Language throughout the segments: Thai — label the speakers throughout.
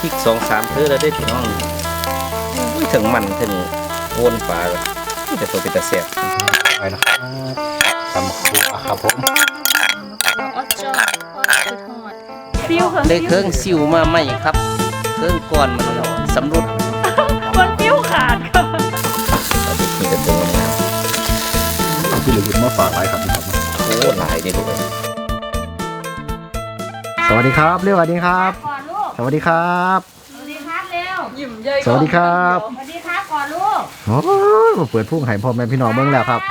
Speaker 1: พริก2-3 เทื่อแล้วได้พี่น้องถึงมันถึงวนปลาที่จะตัวเป็นตะแสบ
Speaker 2: ไปนะครับตำครัวครับผม
Speaker 1: ได้เครื่องซิวมาใหม่ครับเครื่องก่อนมันสำรุด
Speaker 3: มันปิ้วขาดครับ
Speaker 1: มีแต่ตัวงาม
Speaker 2: พี่เหลือมาฝากไว้ครับพี่ครับ
Speaker 1: โอ้หลายนี่ดูเลย
Speaker 2: สวัสดีครับเรียกสวัสดีครับสวัสดีครับ
Speaker 3: สวัสดีครับเร็วยิ้มเย้ย
Speaker 2: สวัสดีครับ
Speaker 3: สวัสดีครับก่อนลูก
Speaker 2: โอ้มาเปิดพุ่งไห่พ่อแม่พี่น้องเบิ่งแล้วครับ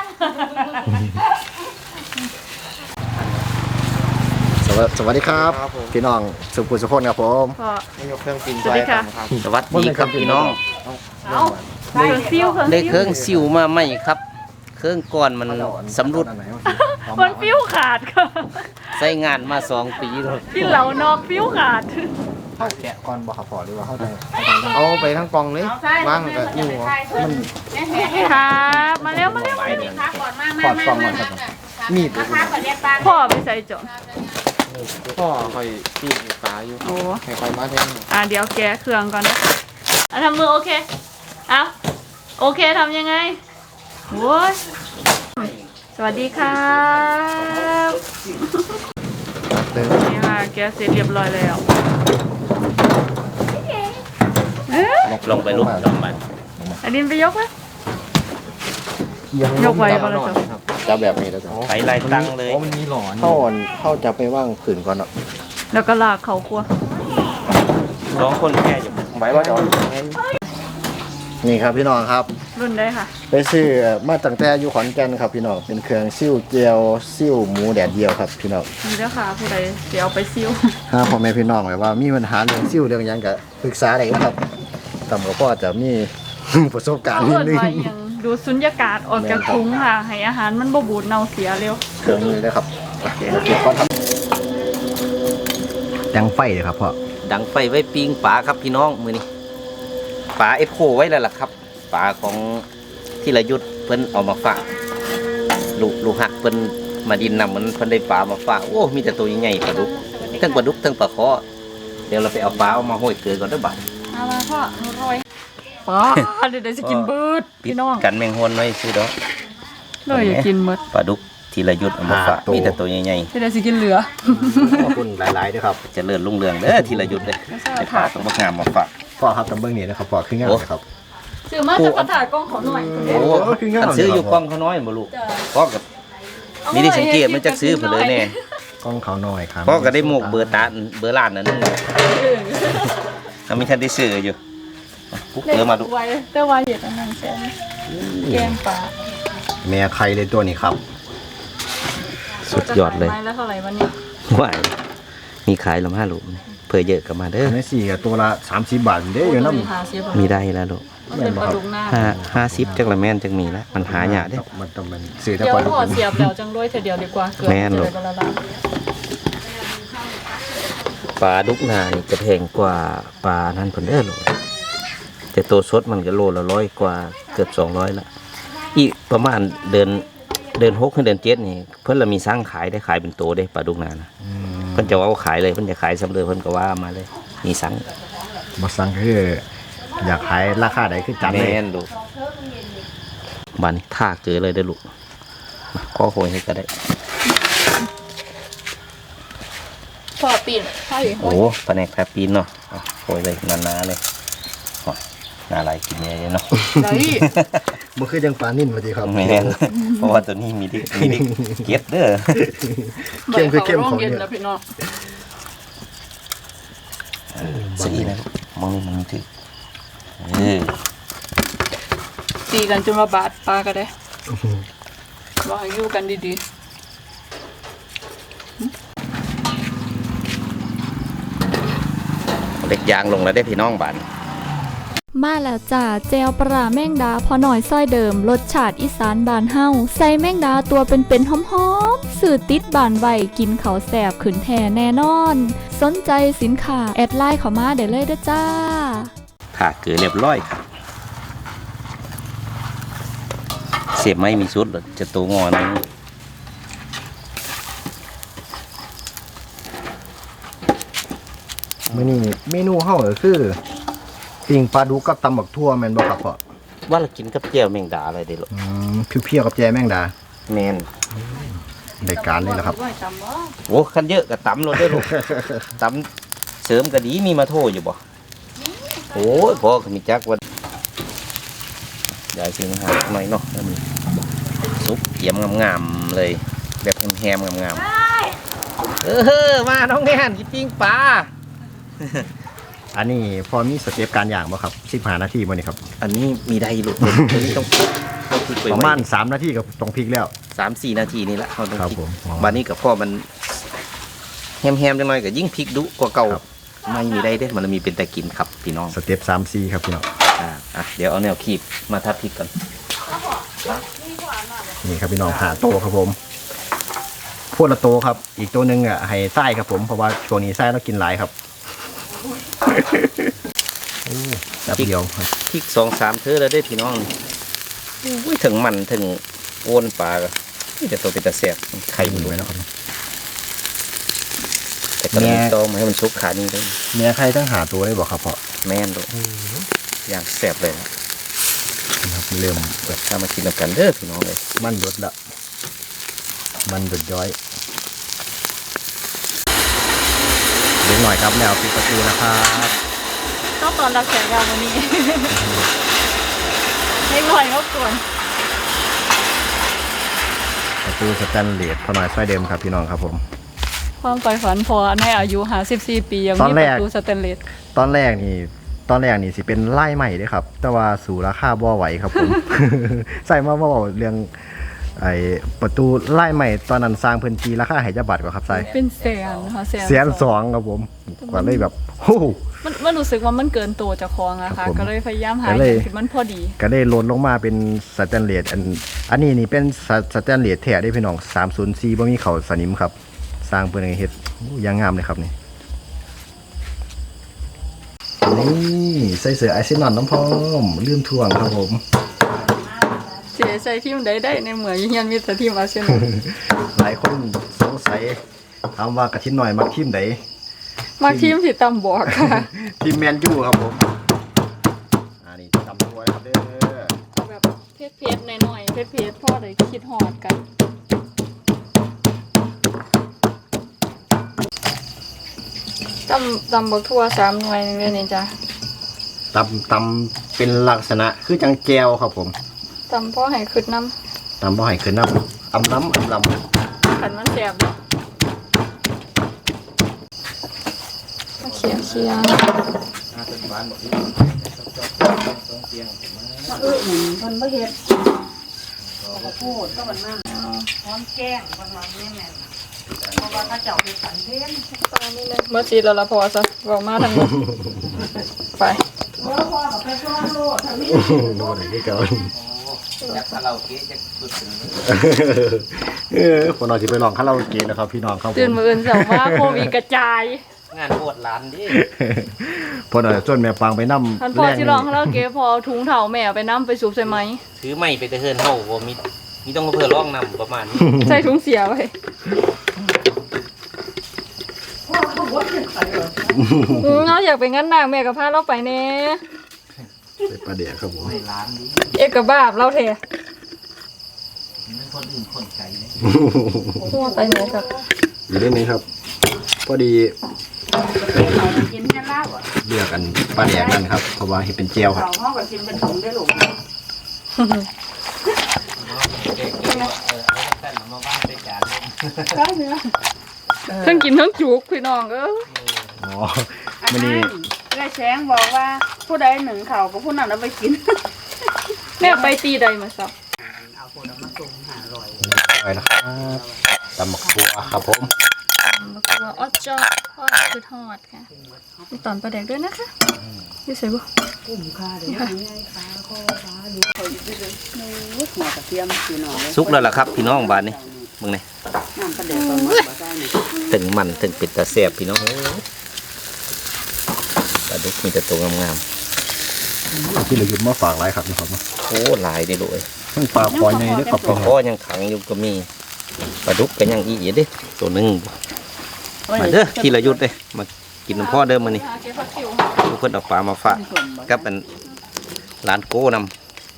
Speaker 2: สวัสดีครับพี่น้องสุขุมสุขคนครับผม
Speaker 3: ยกเครื่องกินสวัสดีค่ะ
Speaker 1: สวัสดีครับพี่น้อง
Speaker 3: ได้
Speaker 1: เครื่องซิวมาใหม่ครับเครื่องก่อนมันสำรุด
Speaker 3: มันปิ้วขาดค่ะ
Speaker 1: ใช้งานมา2 ปีแล้ว
Speaker 3: ที่เหล่านอกปิ้วขาด
Speaker 2: เข้าแกะก่อนบ่ครับพอหรือว่าเข้าใจ
Speaker 4: เอาไปทั้งกล่องเลยว่างกับอยู่
Speaker 3: มันครับมาเร็วมาเร็ว
Speaker 2: ถอดกล่องมาครับมีด
Speaker 3: พ่อไปใส่จน
Speaker 4: พ่อคอยปีนปลาอยู่ให้คอยมาแทน
Speaker 3: เดี๋ยวแกะเครื่องก่อนนะทำมือโอเคเอาโอเคทำยังไงโว้ยสวัสดีครับนี่ค่ะแกะเสร็จเรียบร้อยแล้ว
Speaker 1: ลงไปลุกลงไป
Speaker 3: อันนี้ไปยกไหมยกไว้บ้างแล้ว
Speaker 2: จะแบบนี้แล้วจ้ะ
Speaker 1: ไปไล่ตั้งเลย
Speaker 4: มันมีหลอน
Speaker 2: เข้าจะไปว่างขืนก่อนเนาะ
Speaker 3: แล้วก็ลากเขาครัว
Speaker 1: 2 คนแค่อยู่
Speaker 2: ไหวว่าจะนี่ครับพี่น้องครับ
Speaker 3: รุ่นได้ค่ะ
Speaker 2: ไปซื้อมาตั้งแต่อยู่ขอนแก่นครับพี่น้องเป็นเครื่องซิ่วเจียวซิ่วหมูแดดเดียวครับพี่น้อง
Speaker 3: นี่เด้อค่ะผู้ใดเดี๋ยวไปซิ่ว
Speaker 2: พ่อแม่พี่น้องแบบว่ามีปัญหาเรื่องซิ่วเรื่องยังก็ปรึกษาได้ครับตำกับพ่อจะมีประสบการณ์นิดนึง
Speaker 3: ดูสุญญากาศออกจากถุงค่ะให้อาหารมันบ่บูดเน่าเสียเร็ว
Speaker 2: เครื่องนี้เลยครับดังไฟเลยครับพ่อ
Speaker 1: ดังไฟไว้ปิ้งปลาครับพี่น้องมื้อนี้ปลาเอฟโคไว้แล้วล่ะครับปลาของที่ระยุทธ์เพิ่นเอามาฝากลูกหักเพิ่นมาดินนำมันเพิ่นได้ปลามาฝากโอ้มีแต่ตัวใหญ่ๆปลาดุกทั้งปลาดุกทั้งปลาคอเดี๋ยวเราไปเอาปลาเอามาห้อยเกลือก่อนเด้อบ่าว
Speaker 3: เอามาพ่อหนูโรยปลาเดี๋ยวจะกินเบิดพี่น้อง
Speaker 1: กันแมงฮวนไว้ซื้อดอก
Speaker 3: เลยอยากกินเบิด
Speaker 1: ปลาดุกที่ระยุทธ์เอามาฝากมีแต่ตัวใหญ่
Speaker 3: ๆเดี๋ยวจะกินเหลือ
Speaker 2: ขอบคุณหลายๆด้วยครับ
Speaker 1: จะเลื่อนรุ่งเรืองเด้อที่ระยุทธ์เด้อได้ปลาต้องงามมาฝาก
Speaker 2: พ่อครับตำเบิ้งนี่นะครับพ่อขึ้นงานครับ
Speaker 3: ซื้อมาจะกระถางกล้องเขาหน่อย
Speaker 1: โอ้อันซื้ออยู่กล้องเขาน้อยบ่ลูกพ่อกับมีได้สังเกตมันจะซื้อเผลอแน่
Speaker 2: กล้องเขาน้อยครับ
Speaker 1: พ่อก็ได้หมกเบอร์ตาเบอร์ล้านนั่นนึงเขามีท่านได้ซื้ออยู่ปุ๊บเออมาดู
Speaker 3: เต้าไวเห็ดอันนั้นใช่ไหมแกงปลา
Speaker 2: แม่ไข่เลยตัวนี้ครับ
Speaker 1: สุดยอดเลย
Speaker 3: ไม้แล้วเท่าไหร่วันนี้
Speaker 1: ว้ายมีขายละ5 ลูกเผื่อเยอะกับมาเด้อ
Speaker 2: ใน4กับตัวละ30 บาทเด้ออยู่น้
Speaker 1: ำมีได้แล้วลูก50จังละแม่นจังมีแล้วมันหายากเด้
Speaker 2: มันต้องมันซื้อแต่
Speaker 3: ปลาดุก
Speaker 2: เ
Speaker 3: สียบแล้วจังด้วยเดียวดีกว่า
Speaker 1: แม่นลูกปลาดุกนานี่จะแพงกว่าปลานั่นเพิ่นเด้อลูกแต่ตัวสดมันก็โลละ100 กว่าเกือบ200ละอีกประมาณเดือน6ถึงเดือน7นี่เพิ่นละมีสร้างขายได้ขายเป็นโตได้ปลาดุกนานะเพิ่นจะเอาขายเลยเพิ่นจะขายสำเร็จเพิ่นก็ว่ามาเลยมีสั่ง
Speaker 2: บ่สั่งคืออยากขายราคาใดคือจัดเลย
Speaker 1: แม่นลูกบ้านนี้ท่าเกลือเลยเด้อลูกข้อโหยให้ก็ได้
Speaker 3: พอปีนใช่
Speaker 1: โอ้แผนกแทบปีนเนาะโหยเลยนานๆเลยน่าไรกินเยอะเนาะ
Speaker 2: มันคือจังปลานิ่นพอดีครับ
Speaker 1: แม่นเพราะว่าตัวนี้มีดิเก็บเด้อ
Speaker 2: เข้มคือเข้มของเนี่ย
Speaker 1: สีนะมองนี่มันถือ
Speaker 3: ตีกันจนมาบาดปลาก็ได้บอกให้อยู่กันดี
Speaker 1: ๆเล็กยางลงแล้วได้พี่น้องบ้าน
Speaker 5: มาแล้วจ้าแจวปลาแมงดาพอหน่อยซ้อยเดิมรสชาติอีสานบานเฮาใส่แมงดาตัวเป็นหอมๆสื่อติดบานไว้กินเขาแสบขืนแท่แน่นอนสนใจสินค้าแอดไลน์เข้ามาได้เลยเด้อจ้า
Speaker 1: ถ้าเกลือเรียบร้อยครับเสียบไม่มีชุดหรอกจะตัวงอน
Speaker 2: มืมื้อนี้เมนูเฮาก็คือปิ้งปลาดุกกับตำบักทั่วแม่นบ่ครับพ่อ
Speaker 1: ว่าเรากินกับแจ่วแมงดาอะไรเด้ลูก
Speaker 2: เพียวๆกับแจแมงดา
Speaker 1: แมน
Speaker 2: รายการนี่แหละครับ
Speaker 3: ไหวตำบ่
Speaker 1: โอ้คันเยอะก็ตำโลดเด้อลูก ตำเสริมก็ดีมีมาโทอยู่บ่โอ้ยพ่อก็มีจักว่าได้สิหาหน่อยเนาะอันนี้ซุปเยี่ยมงามๆเลย แบบแฮมๆงามๆมาน้องแนนกินปิ้งปลา
Speaker 2: อันนี้พอมีสเต็ปการย่างบ่ครับ15นาทีบ่นี่ครับ
Speaker 1: อันนี้มีได้ลูกอันนี้ต้องพลิกไป
Speaker 2: ประมาณ3นาทีก็ต้องพลิกแล้ว
Speaker 1: 3-4 นาทีนี่แหละเขาต้อง
Speaker 2: ครับ
Speaker 1: พลิก
Speaker 2: ผม
Speaker 1: บานนี้กับพ่อมันแฮมๆจังหน่อยก็ยิ่งพลิกดุกว่าเก่า
Speaker 2: ครับ
Speaker 1: ไม่มีได้เด้มันมีเป็นแต่กินครับพี่น้อง
Speaker 2: สเต็ป3-4ครับพี่น้อง
Speaker 1: เดี๋ยวเอาแนวคีบมาทับพริกก่อน
Speaker 2: นี่ครับพี่น้องหาโตครับผมพวดละโตครับ อีกตัวหนึงอ่ะให้ไส้ครับผมเพราะว่าช่วงนี้ไส้เรากินหลายครับโอ้แป๊บเดียวครับ
Speaker 1: พริก2-3 เธอแล้วได้พี่น้องอุ้ยถึงมันถึงโอนปลาก็นี่จะตัวเป็นตะแสบไข่มัน
Speaker 2: ด้
Speaker 1: ด้
Speaker 2: ว
Speaker 1: วย ย
Speaker 2: นะครับ
Speaker 1: แต่ก็มีตอมาให้มันซุกขานี้ด้วย
Speaker 2: เมียใครต้องหาตัวได้บอกครับพ่อ
Speaker 1: แม่นด้วยอย่างแสบเลยนะ
Speaker 2: นะครับเริ่มแบบ
Speaker 1: ถ้ามากินกันเด้อพี่น้องเลย
Speaker 2: มันหยดละมันหยดย้อยเล็กหน่อยครับแล้วปิดประตูนะครับ
Speaker 3: ต้องตอนรับแขกยาววันนี้ ให้บ่อยเขาก่อน
Speaker 2: ประตูสแตนเลสพอหน่อยไฟเดิมครับพี่น้องครับผม
Speaker 3: ความใฝ่ฝันพอในอายุ54 ปียัง
Speaker 2: ตอ
Speaker 3: มี
Speaker 2: น
Speaker 3: ป
Speaker 2: แรก
Speaker 3: ระตูสแตนเลส
Speaker 2: ตอนแรกนี่สิเป็นไล่ใหม่เด้อครับ แต่ว่าสู่ราคาบ่ไหวครับผม ใส่มาบ่าเรื่องไอ้ประตูไล่ใหม่ตอนนั้นสร้างพื้นที่ราคาให้จักบาทกว่าครับใส่
Speaker 3: เป็นแสนนะคะแสน
Speaker 2: แสนสองครับผมกว่าเลยแบบโอ้โห
Speaker 3: มันรู้สึกว่ามันเกินตัวเจากของอะ
Speaker 2: ครั
Speaker 3: ค่ะ
Speaker 2: บผม
Speaker 3: ก็เลยพยายามหา
Speaker 2: ก็
Speaker 3: อ
Speaker 2: เลย
Speaker 3: ย่างที่มันพอดี
Speaker 2: ก็ได้ลดลงมาเป็นสแตนเลสอันนี้นี่เป็นสแตนเลสแท้ได้พี่น้อง304บ่มีเขาสนิมครับ สร้างเพื่อให้เฮ็ดอยังงามเลยครับนี่นี่ใส่เสื้อไอซินอนน้ำพร้อมลืมถ่วงครับผม
Speaker 3: เสียใจทีมใดได้ในเหมือนยันมีแต่ทีมอาร์เซนอล
Speaker 2: หลายคนสงสัยถามว่ากระทินหน่อยมักทีมไหน
Speaker 3: มาทีมที่ตำบอกค่ะ
Speaker 2: ทีมแมนยูครับผมนี่ตำตัวครับเด้อ
Speaker 3: เอาแบบเพชรๆหน่อยๆเพชรๆพ่อได้คิดฮอดกันตำบักทั่ว3 หน่วยนึงเลยนี่จ้ะ
Speaker 2: ตำเป็นลักษณะคือจังแจวครับผม
Speaker 3: ตำพ่อให้ขึ้นน้
Speaker 2: ตำบ่ให้ขึ้นน้ำอำล้ำ
Speaker 3: ำขันมันแสบเนาะมาเคี่ยวมันไม่เห็ดพูดก็มันมากพร้อมแกงบางวันนี่แม่เพราะว่าถ้าเจ้าเป็นสันเทนตอนนี้เลยเมื่อชีเราละพอซะบอกมาทางนี้ไป
Speaker 2: ดูหน่อยที่เก่า
Speaker 1: จากคาราโอเกะจะสุด
Speaker 2: คนนอนที่ไปลองคาราโอเกะนะครับพี่น้องครับผม
Speaker 3: ตื่นมืออื่นสาวว่าโควิดกระจาย
Speaker 1: งานโคตรร้านดิ
Speaker 2: พอหน่อยจนแม่ปังไปนำ
Speaker 3: ท่านพ่อที่ร้องเขาเล่าเก๋พอเอาถุงเถาแม่ไปน้ำไปสูบใส่ไหม
Speaker 1: ถือไม่ไปแต่เฮินเฮาบ่มีต้องมาเพื่อร้องนำประมาณนี้
Speaker 3: ใส่ถุงเสียไว้เราอยากไปงั้นนางแม่กับพาเราไปเน่
Speaker 2: ใส่ปลาเดียครับผม
Speaker 1: ร้านนี้
Speaker 3: เอกบาบเราเท
Speaker 1: มันคนอื่นคนไกลเลย
Speaker 3: ทั่วไปไหนกับ
Speaker 2: อยู่ได้ไหมครับ พอดี
Speaker 6: กินแค่เหล้าอ่ะ
Speaker 2: เลือกกันปลาแดกกันครับเพราะว่าเห็นเป็นเจียวครับ
Speaker 6: เขาห้องก็กินเป็นถุงได้หรอ
Speaker 1: เอาแต่มาบ้านไปจานเลย
Speaker 6: ก็เนื้อ
Speaker 3: ทั้งกินทั้งจุกพี่น้อง
Speaker 2: อ๋
Speaker 3: เออ
Speaker 2: อ
Speaker 6: อัน
Speaker 2: มัน
Speaker 6: นั้
Speaker 2: นี่
Speaker 6: นได้แช้งบอกว่าผู้ใดหนึ่งเข่าก็ผู้นั้นเอาไปกิน
Speaker 3: แม่ไปตีใดมาสับ
Speaker 6: เอาผลไม้ตุ่มหาอร่อย
Speaker 2: ไปนะครับตำหมักทัวครับผม
Speaker 3: แล้วก็ออดจอทอดคือทอดค่ะมีตอนปลาแดกด้วยนะคะนี่ใส่บ่
Speaker 6: กุ้มค่าเดี๋ยวง่ายฟ้าข้อฟ้าดูคอยอยู่ด้วยเลยนู้หัวกระเทียมคือหน่อย
Speaker 1: สุกแล้วล่ะครับพี่น้องบ้านนี้มึงนี่
Speaker 6: น้ำกระเด็นประมาณบ่ได้นี่
Speaker 1: ถึงมันถึงเป็ดตาแซ่บพี่น้องปลาดุกมีแต่ตัวงาม
Speaker 2: ที่เราหยุดมาฝากหลายครับนะครับ
Speaker 1: ๆโอ้หลายได้เลย
Speaker 2: ทั้งปลาคอยในเด้อครับ
Speaker 1: ปลาข้อยังขังอยู่ก็มีปลาดุกก็ยังอีกเด้ตัวหนึงมาเด้อทีละยุทธ์เลยมากิกินน้ำพ่อเดิมมานี่
Speaker 3: หาเก็บผักคิว
Speaker 1: ทุกคนเอาปลามาฝากกับเป็นร้านโก้นำ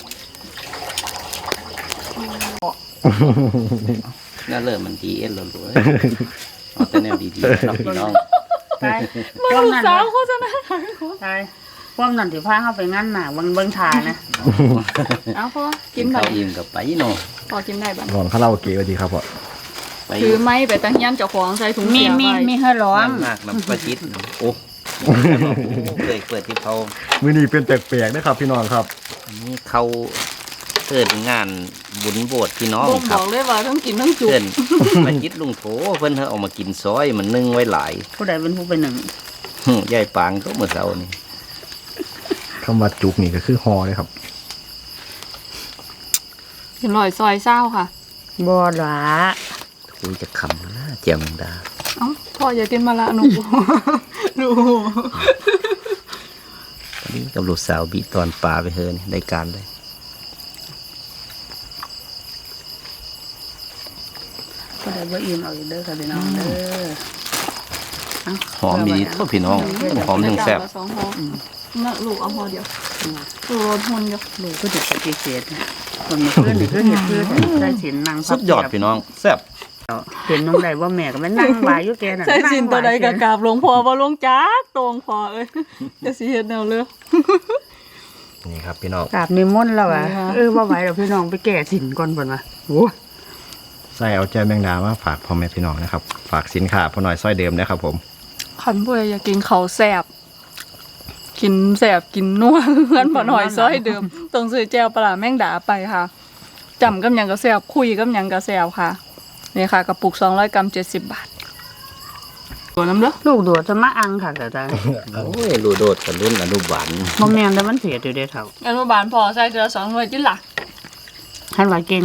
Speaker 1: น่าเริ่มมันดีเอ็นเราเลยเอาแต่แนวดีๆนะพี่น้อง
Speaker 6: ตาย
Speaker 3: มึงลูกสาวโฆษณา
Speaker 6: ตายพวกนั่นถือผ้าเข้าไปงั้นน่ะเบิ่งทานะ
Speaker 3: เอาพ่อ
Speaker 1: กิ
Speaker 3: กิ
Speaker 1: น
Speaker 3: น
Speaker 1: ข้า
Speaker 3: ได้
Speaker 1: วอิ่มกับไปเนาะ
Speaker 3: พอกินได้บ้าง
Speaker 2: นอนคาราโอเกะก็ดีครับพ่อ
Speaker 1: ไป
Speaker 3: ถือไม้ไปตั้งยันเจ้าของใส่ถุง
Speaker 6: มี
Speaker 3: เสียไว้
Speaker 6: มีให้ร้อง
Speaker 1: มากน้ำประชิดโอ้เคยเปิดที่เขา
Speaker 2: มื้อนี้เป็นแปลกๆนะครับพี่น้องครับ
Speaker 1: อันนี้เขาเกิดงานบุญโบสถ์พี่น้อง
Speaker 3: บ่ง
Speaker 1: ครับ
Speaker 3: บอกเลยว่าทั้งกินทั้งจุก
Speaker 1: เกินประชิดลุงโถเพิ่นเอามากินซอยมันนึ่งไว้หลาย
Speaker 6: ผู้ใดเป็นผู้เป็นหนึ่ง
Speaker 1: ยายปางก็เมื่อเช้านี่
Speaker 2: คำว่าจุกนี่ก็คือฮอเลยครับ
Speaker 3: เป็นรอยซอยเศร้าค่ะ
Speaker 6: บ่หลา
Speaker 1: คุยจะคำนะเจียมดา
Speaker 3: เอ้าพ่ออย่ากินมาละหนู หนู
Speaker 1: ตอนนี้กับลูกสาวบีตอนปลาไปเฮินได้การเลย
Speaker 6: ผู้ใดบ่อิ่มเอาอีกเด้อค่ะพี่น้องเด้อเา
Speaker 1: หอมดีเท่าพี่น้องหอมยังแซ่บ
Speaker 3: ละสองห่อน่ะลูกเอาห่อเดียวลูกรสหุ่นเดียว
Speaker 6: ลูกก็จะปฏิเสธนะคนมาเพื่อนนี่คือเห็ดเพื่อนใส่สินนาง
Speaker 1: สุดยอดพี่น้องแซ่บ
Speaker 6: เห็นน้องใดว่าแม่ก็ไปนั่งวายอยู่แกน่ะ
Speaker 3: ใส่สินตัวใดกะกราบหลวงพ่อบ่หลวงจักตรงพ่อเอ้ยจะสิเฮ็ดแนวเลย
Speaker 2: นี่ครับพี่น้อง
Speaker 6: กราบนิมนต์แล้วอ่ะ
Speaker 3: ค่ะ
Speaker 6: ว่าไหวแล้วพี่น้องไปแก่สินก่อนเพิ่นว่าโอ้
Speaker 2: ใส่เอาแจ่วแมงดามาฝากพ่อแม่พี่น้องนะครับ ฝากสินค้าพ่อหน่อยซอยเดิมนะครับผม
Speaker 3: ขันผู้ใดอยากกินข้าวแซ่บกินแซ่บกินนัวเพื่อนบ่หน่อยซอยเดิมต้องซื้อแจ่วปลาร้าแมงดาไปค่ะจำกับหยังก็แซ่บคุยกับหยังก็แซ่บค่ะนี่ค่ะกระปุก200 กรัม70 บาทตัวน้ำเด้อ
Speaker 6: ลูกดัวจะมาอังค่ะแต่ตา
Speaker 1: โอ้ยรูโดดกับรุ่นอนุบาล
Speaker 6: บ่แม่นแต่มันเผ็ดอยู่เด้อเฒ่า
Speaker 3: อนุบาลพอใส่เดือ2 หน่วยจิล่ะ
Speaker 6: ให้ว่าเก่ง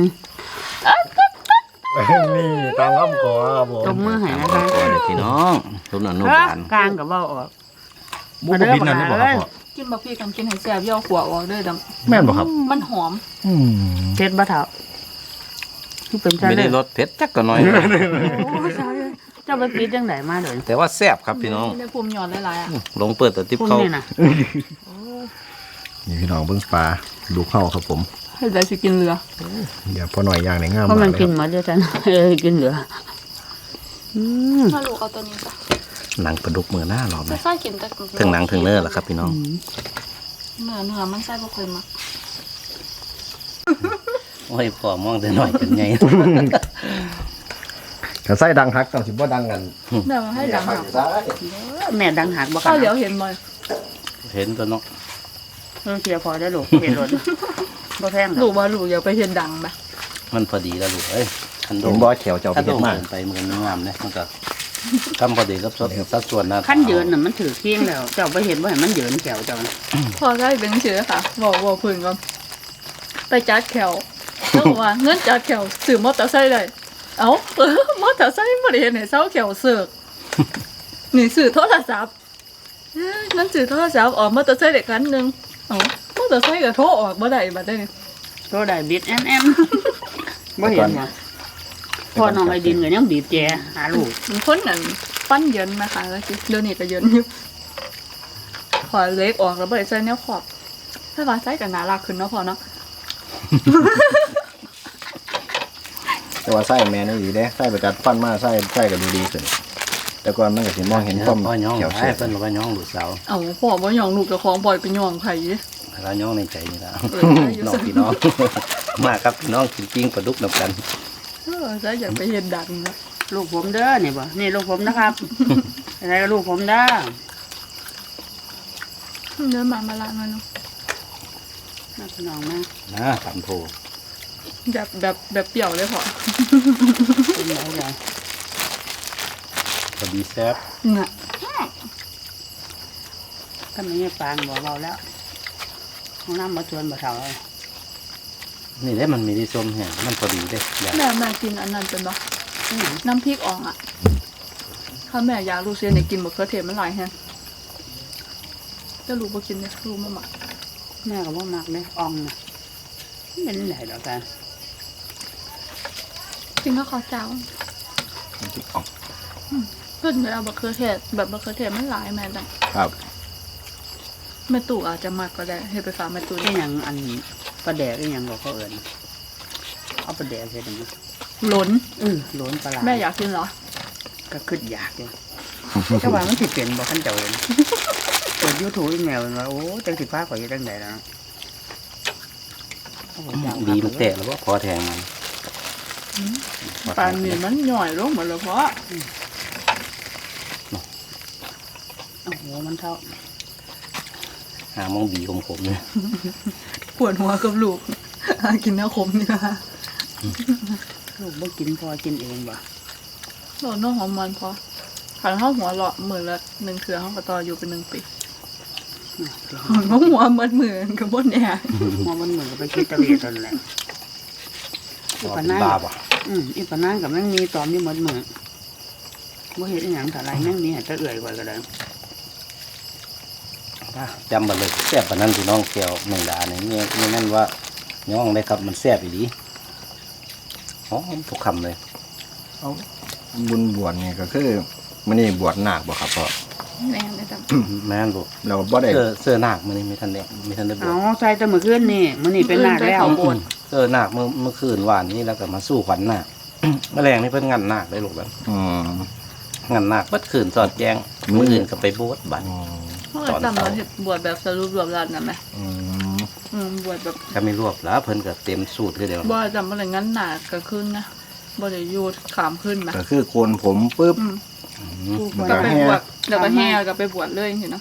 Speaker 2: นี่ตามคำขอครับผม
Speaker 6: ตบมือให้นะคะ
Speaker 1: ก่อนเลยพี่น้องรุ่นอนุบาล
Speaker 6: กลางก็เว้าออก
Speaker 2: บุกบินนั่นได้บอกครับพ่อ
Speaker 3: กินบักพี่กันกินให้แซ่บย่อขวออกเด้อดำ
Speaker 2: แม่นบอกครับ
Speaker 3: มันหอม
Speaker 6: เผ็ดบ่เฒ่าคือเป็นจัง
Speaker 1: ไม่
Speaker 6: ได๋
Speaker 1: ได้รสเผ็ดจักก็น้อย
Speaker 6: เจ้าไปปิดจังไดมาเด้อ
Speaker 1: แต่ว่าแซ่บครับพี่น้อง
Speaker 3: ได้ภูมิหยอดหลายๆอ่ะ
Speaker 1: ลงเปิดตัวติ๊บ
Speaker 6: คุณ
Speaker 1: เขา
Speaker 6: นี่น่ะ
Speaker 2: นี่พี่น้องเบิ้งปลาดูเข้าครับผม
Speaker 3: ให้ได้สิกินเรือ
Speaker 2: เดี๋ยวพ่อหน่อยย่างในงาม
Speaker 6: เพราะ
Speaker 2: มาก
Speaker 6: มัน
Speaker 2: เลย
Speaker 6: กิน
Speaker 2: ครับ
Speaker 6: หมดเด้อจันกินเหลือ
Speaker 3: ถ้าลูกเอาตัวนี้จ้ะ
Speaker 1: หนังปลาดุกมือหน้าหรอไหม
Speaker 3: ไม่ใส่กินแต่
Speaker 1: ถึงหนังถึงเนื้อแล้วครับพี่น้อง
Speaker 3: เนื้อมันใส่บ่เคยมัก
Speaker 1: โอ้ยพอมองแต่หน่อยเป็นไง
Speaker 2: ถ้าไส้ดังฮักต้องสิบ่ดังกัน
Speaker 3: เดี๋ยวให้ดัง
Speaker 2: ฮั
Speaker 3: ค่ะ
Speaker 2: กซ้าย
Speaker 6: แม่ดังหักบ่กั
Speaker 3: ข้าวน เหลียวเห็นบ่อย
Speaker 1: เห็นตัวเนาะ
Speaker 6: เสียพอได้อลูกเห็นรถบ่แพง
Speaker 3: ลูกว่าลูกอยากไปเห็นดังไหม
Speaker 1: มันพอดีแล้วลูกเอ้ยคันโด
Speaker 2: เห็น
Speaker 1: ม
Speaker 2: บ่แขวเจ้า
Speaker 1: ถ้า
Speaker 2: เผ็
Speaker 1: โด
Speaker 2: ด
Speaker 1: ม
Speaker 2: มาก
Speaker 1: เกินไปมันก็งามเนี่ยมันก็กำพอดีกับสัดส่วนนะ
Speaker 6: ขั้นเยินน่ะมันถือเคียงแล้ว เจ้าไปเห็นว่าเห็นมันเยินแขวเจ้าน่ะ
Speaker 3: พอได้เป็นเชื้อค่ะบอกพื้นก่อนไปจัดแขวแล้วบอกว่าเงินจัดแขวซื้อมอเตอร์ไซค์ได้เอ้ามอเตอร์ไซค์บ่ได้เห็นให้เซาแขวเสือกนี่ซื้อโทรศัพท์นั่นซื้อโทรศัพท์ออกมอเตอร์ไซค์เด็กคันหนึงเอ้ามอเตอร์ไซค์ก็โทรออกบ่ได้บัดนี้
Speaker 6: โตได้บิดแอมบ่เห็นว่าพ่อน้องไอ้ดินก็ยังบีบแจหาลูก
Speaker 3: มันคนนั้นปั้นเยินนะคะแล้วสิเดี๋ยวนี้ก็เยินอยู่ขอเล็กออกแล้วบ่ได้ใส่แนวขอบถ้าว่าใส่ก็น่ารักขึ้นเนาะพอเนาะ
Speaker 2: แต่ว่าไส้แม่นี่ดีเด้ไส้ประจัดฟันมาไส้ก็ดูดีขึ้นแต่ก่อนมันก็สิมองเห็นความ
Speaker 1: พ่อย่อง
Speaker 2: เขียว
Speaker 1: ให้
Speaker 2: เสีย
Speaker 1: เพิ่นว่าย่องลูกสาว
Speaker 3: เอาพ่อบ่ยองลูกเจ้าของปล่อยไปยองไผ
Speaker 1: แล้วย่องในใจนี่ละ
Speaker 3: อยู่
Speaker 1: น้องพี่น้อง มาครับพี่น้องกินปิ้งปลาดุกนำกัน
Speaker 3: ซะอยากไปเห็นดังนะ
Speaker 6: ลูกผมเด้อนี่บ่นี่ลูกผมนะครับอะไรก็ลูกผมเด้อ
Speaker 3: เดินมาละมาเนาะ
Speaker 6: น้าพี่น้องมา
Speaker 1: นะทำโพ
Speaker 3: แบบเปรี้ยวเลยพอ
Speaker 6: เป็นไงล่ะ
Speaker 1: พอดีแซ่บ
Speaker 3: น่ะ
Speaker 6: ก็ไม่ให้ปานบ่เบาแล้วห้องน้ำมาชวนบ่เท่าเลย
Speaker 1: นี่แหละมันมีที่ส้มแห้งมันพอดีเด้อยาก
Speaker 3: แม่กินอันนั้นเป็นบ่น้ำพริกอ่องอ่ะถ้าแม่อยากลูกเสียเนี่ยกินมะเขือเทศมันหลายแฮงแต่ลูกบ่กินเนี่ยลูกบ่มัก
Speaker 6: แม่ก็บ่มักเลยอ่องน่ะเป็นไหนดอกกัน
Speaker 3: กินข้าวขาวเจ้า
Speaker 5: เพิ่นไปเอาบักเขือเทศแบบบักเขือเทศมันหลายแม่จัง
Speaker 2: ครับ
Speaker 5: แม่ตู่อาจจะมักก็ได้ให้ไปฝากแม่ตู่
Speaker 6: ที่หยังอันปลาแดกที่หยังบอกเขาเอิญเอาปลาแดกใส่ตรงนี้
Speaker 5: หล้น
Speaker 6: โหลนปลาไหล
Speaker 5: แม่อยากกินเหรอ
Speaker 6: ก็ขึ้นอยากอยู่ก็ว่ามันสิเป็นบอกขั้นเจ้าเองเปิดยูทูบอีเมลว่าโอ้จังสิฟ้าข่อยอยู่จังไหนแล้วโอ้โหอยาก
Speaker 1: ดีมันแตกแล้วว่าพอแทงมัน
Speaker 5: ปานนี้มันหน่อยลงหมดแล้วเพราะ
Speaker 6: โอ้โหมันเท่า
Speaker 1: หามองบีของผมเนี่ย
Speaker 5: ปวดหัวกับลูก กินน้ำขมนี่นะ
Speaker 6: ลูกบ่กินพอกินเองบ่
Speaker 5: โอ้น้องหอมมันพอขันข้าวหัวหลอมือละ1เถื่อข้าวกระตออยู่เป็น1 ปีน้องหัวเหมือนมือกับบนเนี่ย
Speaker 6: มอมันเหมือนกับไปคิดตะเลียตอนแหละอีปะนั่ง
Speaker 1: บ้าป่ะ
Speaker 6: อีปะนั่งกับแม่งมีตอมอยู่หมดมือบ่เห็นอหย่างแต่ไรแม่งมีให้ตะเอื่อยกว่าก็ได้
Speaker 1: จำมาเลยแซ่บปานนั้นพี่น้องแก้วแมงดาเนี่ยนี่นั่นว่าย่องได้ครับมันแซ่บอีหลีหอมทุกคำเลย
Speaker 2: บุญบวชนี่ก็คือมื้อนี้บวชนาคบ่ครับพ่อ
Speaker 5: แม่เลยจ้ะ
Speaker 1: แม่นบ่
Speaker 2: เราบ่ได้
Speaker 1: เสื้อนาคมื้อนี้ไม่ทันได้บว
Speaker 6: เอา
Speaker 1: ช
Speaker 6: ใส่แต่มื้อคืนนี่มื้อนี้เป็นหนักแล้ว
Speaker 1: เสื้อนาคเมื่อคืนวานนี้แล้วก็มาสู้ขวัญนาค แมลงนี่เพิ่นงันนาคได้ลูกแล้ว
Speaker 2: อืม
Speaker 1: งันนาคเบิดคืนสอดแจ้งมื้ออื่นก็ไปบวชบัด
Speaker 5: เขาเลยจำเราเห็ดบวชแบบสรุปรวบรัดนะแม่
Speaker 2: อืม
Speaker 5: บวชแบบ
Speaker 1: ก็ไม่รวบแล้วเพิ่นก็เต็มสูตรคือเดียว
Speaker 5: บ่จำอะไรงั้นหนาก็ขึ้นนะบ่ได้อยู่ขามขึ้นมา
Speaker 2: ก็คือโกนผมปุ๊บ มัน
Speaker 5: ก็
Speaker 2: ก็
Speaker 5: ไป
Speaker 2: แห่
Speaker 5: บวชแล้วก็แห่ก็ไปบวชเลยเห็นเนาะ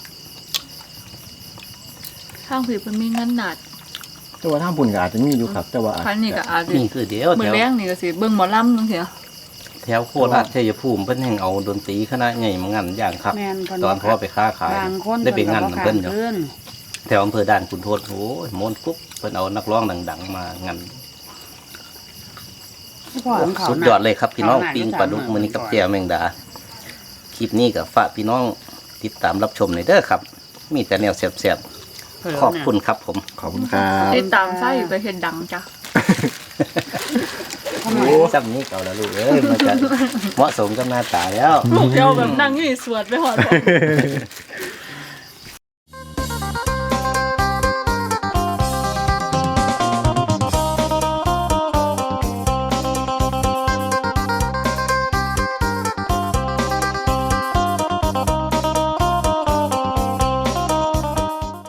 Speaker 5: ข้างผีเพิ่นมีงั้นหนาด
Speaker 2: แต่ว่าทางบุญก็อาจจะมีอยู่ครับ แต่ว่าอาจ
Speaker 5: คันนี้ก็อาจจะ
Speaker 1: นี่คือเดียว
Speaker 5: มื้
Speaker 1: แถ
Speaker 5: อ
Speaker 1: ว
Speaker 5: แรงนี่ก็สิเบิ่งหมอลำจังซี่
Speaker 1: แถวโคราชชัยภูมิเพิ่นแห่งเอาดนตรีคณะใหญ่มางันอย่างครับ
Speaker 6: แม่นเพิ่น
Speaker 1: ตอนพ่อไปค้าขาย
Speaker 6: บางคน
Speaker 1: ได้ไปงัน
Speaker 6: ก็
Speaker 1: เพิ่นอยู่
Speaker 6: ขึ้น
Speaker 1: แถวอำเภอด่านขุนทดโอ้ยมนต์กุ๊บเพิ่นเอานักร้องดังๆมางัน
Speaker 6: พ่อของเขา
Speaker 1: สุด
Speaker 6: น่ะ
Speaker 1: ยอดเลยครับพี่น้อง
Speaker 6: เขาน่ะ
Speaker 1: ปิ้งปลาดุกมื้อนี้กับแจ่วแมงดาคลิปนี้ก็ฝากพี่น้องติดตามรับชมหน่อยเด้อครับ มีแต่แนวแซ่บๆขอบคุณครับผม
Speaker 2: ขอบคุณครับ
Speaker 5: ติดตามไส้ไปเฮ็ดดังจ้ะ
Speaker 1: โอ้ซ้ำนี้เก่าแล้วลูกเอ้ยมันจะเหมาะสมกับหน้าตาแล้ว
Speaker 5: ลูกเดียวแบบนั่งอยู่สวดไปหอด